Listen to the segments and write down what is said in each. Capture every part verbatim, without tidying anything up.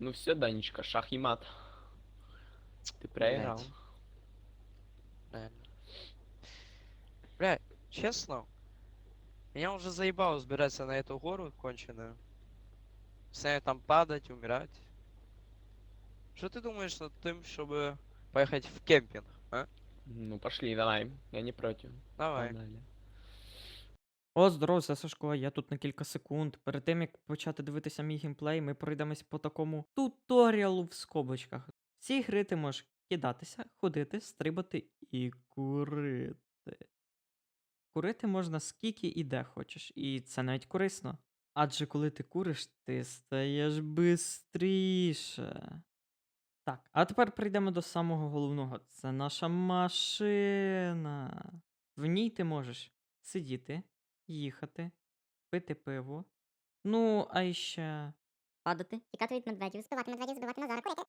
Ну все, Данечка, шах и мат. Ты проиграл. Блядь. Реально. Бля, честно, меня уже заебало взбираться на эту гору конченую. Постоянно там падать, умирать. Что ты думаешь над тем, чтобы поехать в кемпинг, а? Ну пошли, давай. Я не против. Давай. Погнали. О, здорово, це Сашко, я тут на кілька секунд. Перед тим, як почати дивитися мій геймплей, ми пройдемось по такому туторіалу в скобочках. В цій гри ти можеш кидатися, ходити, стрибати і курити. Курити можна скільки і де хочеш, і це навіть корисно. Адже коли ти куриш, ти стаєш бистріше. Так, а тепер прийдемо до самого головного. Це наша машина. В ній ти можеш сидіти, їхати, пити пиво. Ну, а іще. Падати, тікати від медведів, збивати медведів, збивати Назара, курити.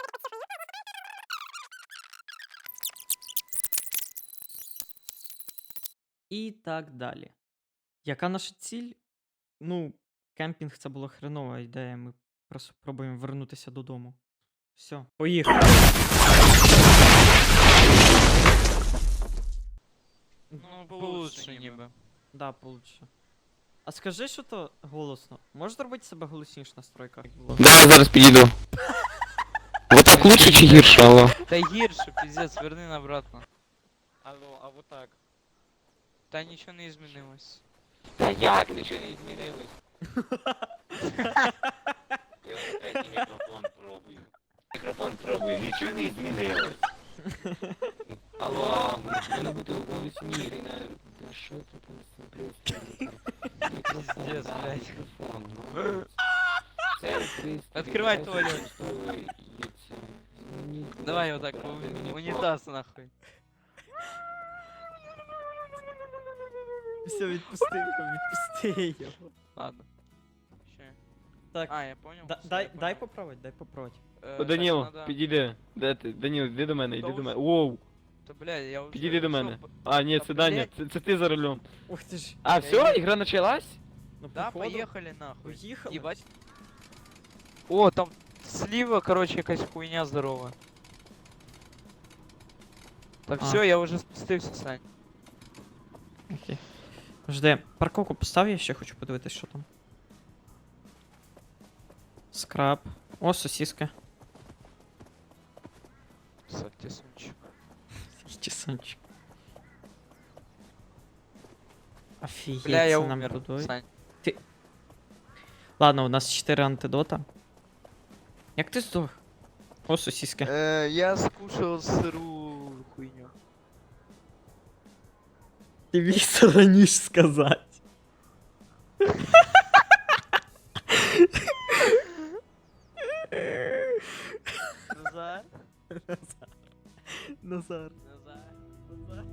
І так далі. Яка наша ціль? Ну, кемпінг це була хренова ідея. Ми просто пробуємо вернутися додому. Все, поїхали. Ну, получше ніби. Да, получше. А скажи, що то голосно. Можеш зробити себе голосніше в настройках? як було? Да, я зараз підійду. Вот так лучше чи гірше, алло? Та гірше, пиздец, верни на обратно. Алло, а вот так. Та нічого не змінилось. Та як нічого не змінилось? Я вже третій мікрофон пробую. Мікрофон пробую, нічого не змінилось. Алло, мене буде голосніше. Та що це там? Мікрофон, Пиздец, да, блядь. мікрофон. ну. Це пристрій, Откривай я туалет. використовую і це. Мені Давай просто отак, правда, мені унітаз нахуй. Все, відпусти його, відпусти його. Ладно. Ще. Так, А, я понял. да- всё, дай, я дай понял. поправить, дай поправить. Е, О, так, Даніл, надо- підійди. Де ти? Даніл, іди до мене, іди Та до ось- мене. Воу, Та, бля, я вже... підійди до всё, мене. по- А, ні, Та, це Даня, блядь. це, це ти за рулем. Ух ти ж. А, Я все, їду. ігра началась? Ну, Да, походу, поехали нахуй. Поїхали. Ебать. О, там слива, короче, якась хуйня здорова. Так, А. все, я уже спустився, Сань. Окей. Жди, парковку постав, я ще хочу подивитись, що там. Скраб. О, сосиска. Сальтисунчик. Тісончик. Офігеть, Бля, я це нам умер, будують. Сань. Ладно, у нас чотири антидота. Як ти здох? О, сосиска. Э, я скушал сырую хуйню. Ти міг раніше сказати. Назар? Назар. Назар. Назар. Назар.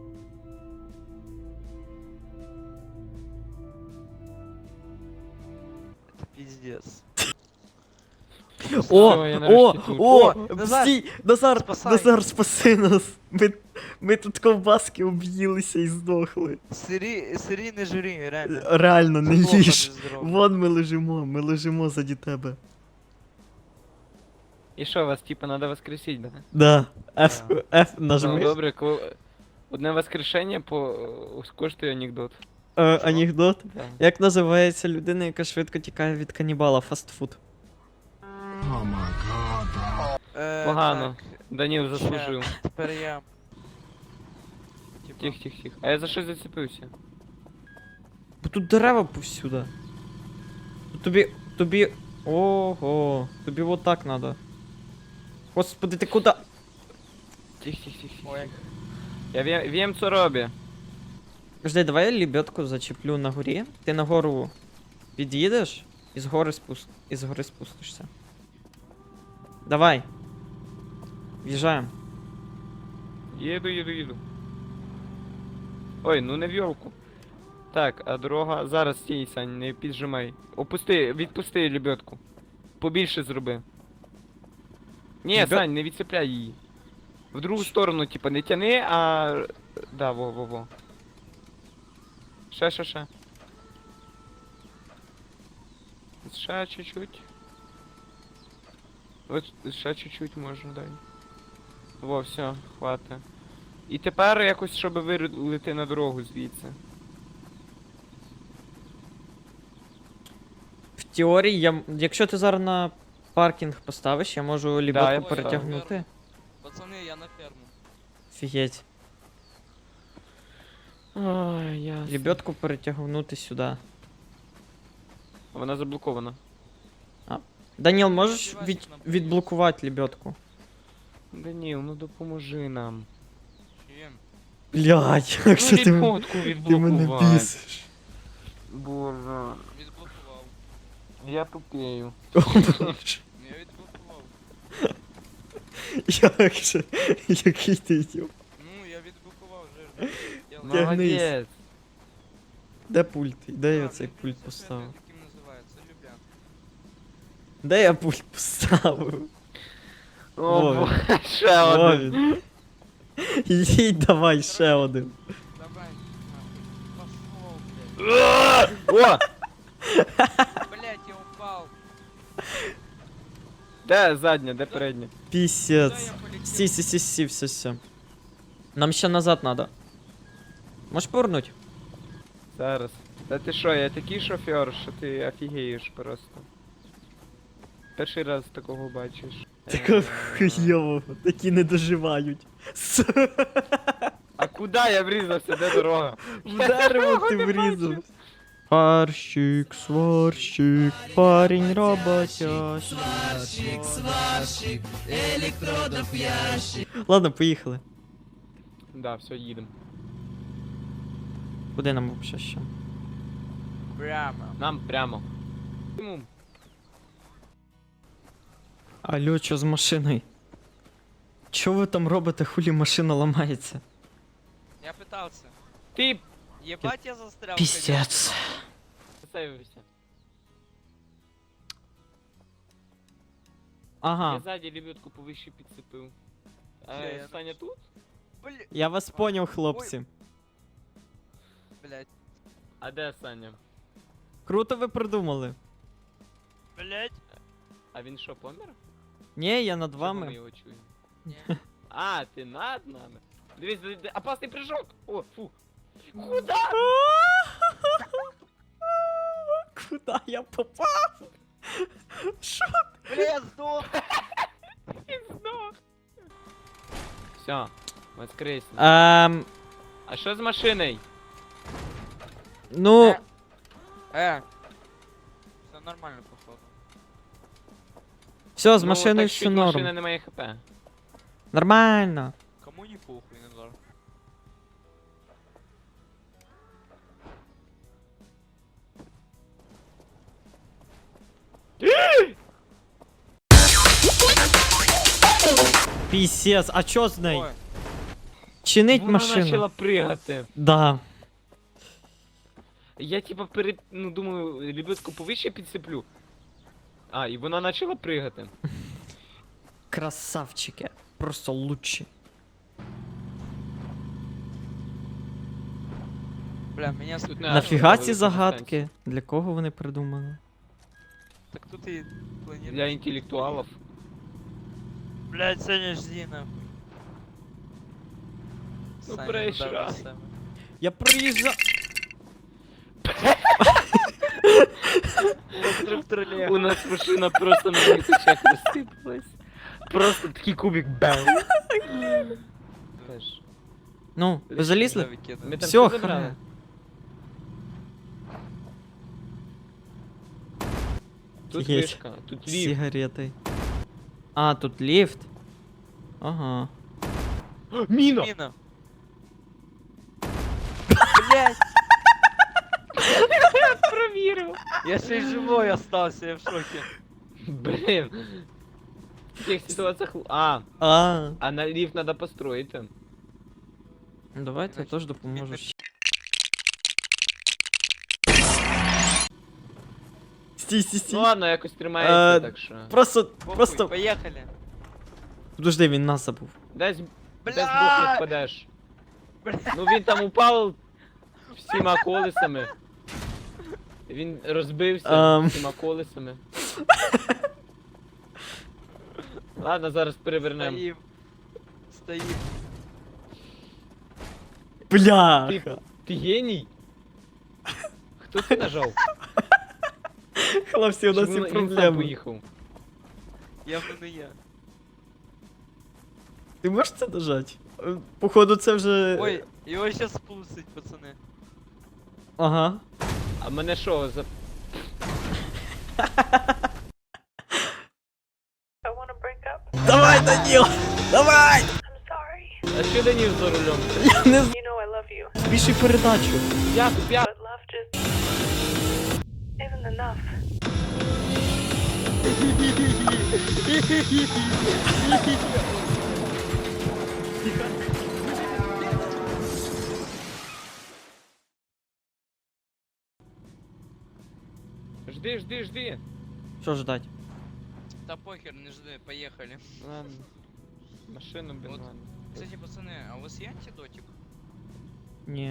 Это пиздец. О, Всё, я о, нарешті тут. о, О, Назар, стій, Назар, спасай. Назар, спаси нас. Ми, ми тут ковбаски об'їлися і здохли. Сыри, сыри не жри, реально. Реально, не Це плохо їж. для здоров'я. Вон ми лежимо, ми лежимо заді тебе. І що, вас типа надо воскресить, да? Да, F, F Ну, нажми. добре, коли... Одне воскрешення по... коштує анекдот. Е, Що? анекдот. Да. Як називається людина, яка швидко тікає від канібала? Фастфуд. Е, Погано. так, Даніл ща, заслужив. Тепер я. Типа, Тих, тих, тих. А я за щось зацепився. Бо тут дерева повсюди. Тут тобі. тобі. Ого. Тобі вот так надо. Господи, ти куди? Тих, тих, тих, тих. Ой, як- Я ві- wiem co robię. Жди, давай я лебедку зачеплю на горі. Ти на гору під'їдеш і з гори спуст... і з гори спустишся. Давай. В'їжджаємо. Їду, їду, їду. Ой, ну не в йолку. Так, а дорога. Зараз стій, Сань, не піджимай. Опусти, відпусти лебедку. Побільше зроби. Ні, Лебед- Сань, не відцепляй її. В другу сторону, типа, не тяни, а. Да, во, во, во. Ще, ще, ще. Ще чуть-чуть. От ще чуть-чуть можна, дай. Во, все, хвата. І тепер якось, щоб вирулити на дорогу звідси. В теорії, я, м- якщо ти зараз на паркінг поставиш, я можу лібедку я перетягнути. Пацани, я на ферму. Офігеть. Ой, ясно. Лебедку перетягнути сюди. Вона заблокована. Даніл, можеш Сподіваюсь, від, нам відблокувати лебедку? Даніл, ну допоможи нам. Чим? Блядь, якщо ти, м- ліпотку ти мене відблокувати. бісиш. Боже, Відблокував. я тупею. О, Боже. Я відблокував. Як же? Який ти ідіот. Ну, я відблокував жирно. Тягнись. Молодець. Де пульт? Де я цей пульт поставив? Таким називається, Люблян. Де я пульт поставив? О, Во бо- ще Во один. він. Їдь давай ще один. Давай, нахуй. Пошел, блядь. О! Блядь, я упал. Де задня, де передня? Куда Пісець. я полетел? Сі, сі, сі, сі, все, все. Нам ще назад надо. Можеш повернуть? Зараз. Та ти що, я такий шофер, що ти офігієш просто. Перший раз такого бачиш. Такого Е, хуйового, такі не доживають. С- А куди я врізався, де дорога? В дерево ти врізав. Сварщик, сварщик, парень роботящий. Сварщик, сварщик, електродоп'ящик. Ладно, поїхали. Да, все, їдемо. Куди нам взагалі ще? Прямо. Нам прямо. Йому. Алло, що з машиною? Що ви там робите, хулі машина ламається? Я пытался. Ти Ебать, я застрял. Піздець. сейвився. Ага, Я ззаді лебедку повище підцепив. Все, Е, я Саня тут? Блядь, я вас поняв, хлопці. блядь, А де Саня? Круто ви придумали. блядь. А він що, помер? Ні, я над Чого ми вами. його чуємо? Не. А, ти над нами? Дивись, д- д- опасний прыжок! О, фу! Куда? Куда я попав? Що? Бля, я сдох. Все, воскресне. Ем, А що з машиною? ну, Э. Все нормально, походу. все, з Ну, машиною так все чуть машина норм. не має хп. Нормально. Кому не похуй, Назар? Пісец, а чо з нею? Ой, Чинить Вона машину. почала пригати. Да. Я типа перед, ну думаю, лебедку повище підсиплю. А, і вона почала пригати. Красавчики. Просто лучші. бля, меня Тут тут не- А, Нафіга що, ці велика загадки? Для кого вони придумали? Так тут и планируешь. Для інтелектуалів. Блядь, Саня, жди нахуй. Ну, Саня, преща. удар на себе. Я приїжджав. У нас машина просто на моїх очах розсипалась. Просто такий кубик бам. Теж. Ну, ви залізли? Да, выкидывай. Ми там Всё, все забрали. хана. Тут Є. вишка, тут ліфт. Сигарети. А, тут ліфт. Ага. Міна! Мина. Блядь, Провірив. я ще й живой остался, я в шоке. Блін. В таких ситуаціях... А, А. а на ліфт треба построїти. Ну, давайте я Значить, теж допоможу. він Стій, стій, стій. Ну ладно, якось тримається, Е, так що. Просто, Похуй, просто. поехали. Подожди, він нас забув. Десь, десь Бля! збоку не впадеш. Бля. Ну він там упав всіма колесами. Він розбився Ам. всіма колесами. Ладно, зараз перевернемо. Стоим. Стоим. Бляха! Ти геній? Хто це нажав? Хлопці, у нас Чи є він- він сам проблеми. поїхав? Явно не я. Ти можеш це нажати? Е, Походу, це вже. Ой, его сейчас спустить, пацаны. Ага. А мене що, за... Давай, Даніл! Давай! А що Данів за рулем? Я не You know I love you, збільшуй передачу. П'яту, п'яту. but love just isn't enough. Жди, жди, жди. Що ждать? Да похер, не жди, поехали. Ладно. Машину, блин, Вот. ладно. Кстати, пацаны, а у вас есть антидотик? Ні.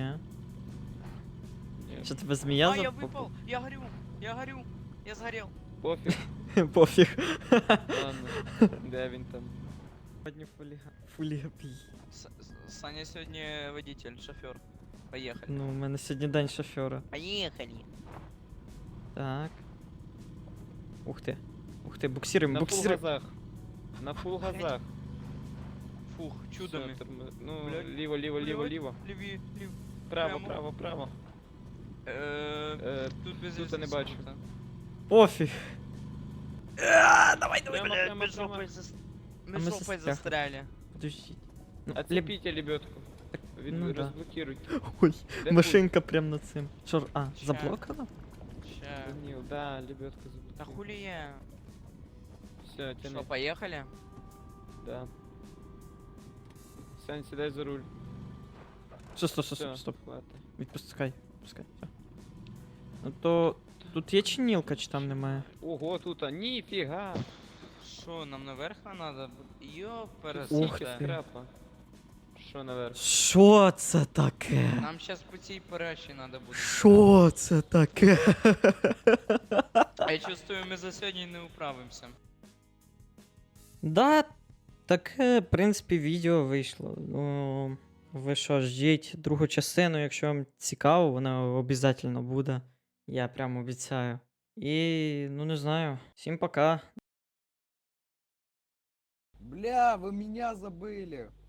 Ні, Що тебе змія а, я запопала? выпал, я горю, я горю, я сгорел. Пофіг, Пофіг. ладно. Де він там? Сьогодні фуліга. Фулігапій. С- С- Саня сегодня водитель, шофер. Поехали. Ну, у мене сьогодні день шофера. Поехали. Так. Ух ти. Ух ти, буксируємо, На фул буксируємо. газах. На фул газах. Фух, чудами. Все, терми- Ну, Блядь. ліво, ліво, ліво, Блядь. ліво. Леви, лев. Право, Прямо. право, право. Э, Е, Тут без тут я не разницы бачу. круто. Пофіг. А, давай, давай, Прямо, давай. прямо, Мы прямо. жопой зас- А мы мы жопой застряхли. застряли. Подождіть. Ну, леб- Отцепите лебедку. Від... ну да. Розблокируйте. Ой, Де машинка прям над цим. Що, ж- а, Ща. заблокано? Ща. Данил, да, лебедку заблокируй. Да хули я? Все, тяни. Что, поехали? Да. Сань, сідай за руль. Стоп, стоп, стоп, Все, стоп, стоп. хватить. Відпускай, відпускай. Все. Ну то. Тут є чинілка, чи там немає? Ого, тут, а ніфіга. Что, нам наверх надо? Ёп, Ух Скільки ти. скрапа. Що наверх? Що це таке? Нам сейчас пути поращи надо будет. Що це таке? Я чувствую, мы за сегодня не управимся. Да, таке, в принципі, відео вийшло. Ну, ви що, ждіть другу частину, якщо вам цікаво, вона обов'язково буде. Я прям обіцяю. І, ну не знаю. Всім пока. Бля, вы меня забыли.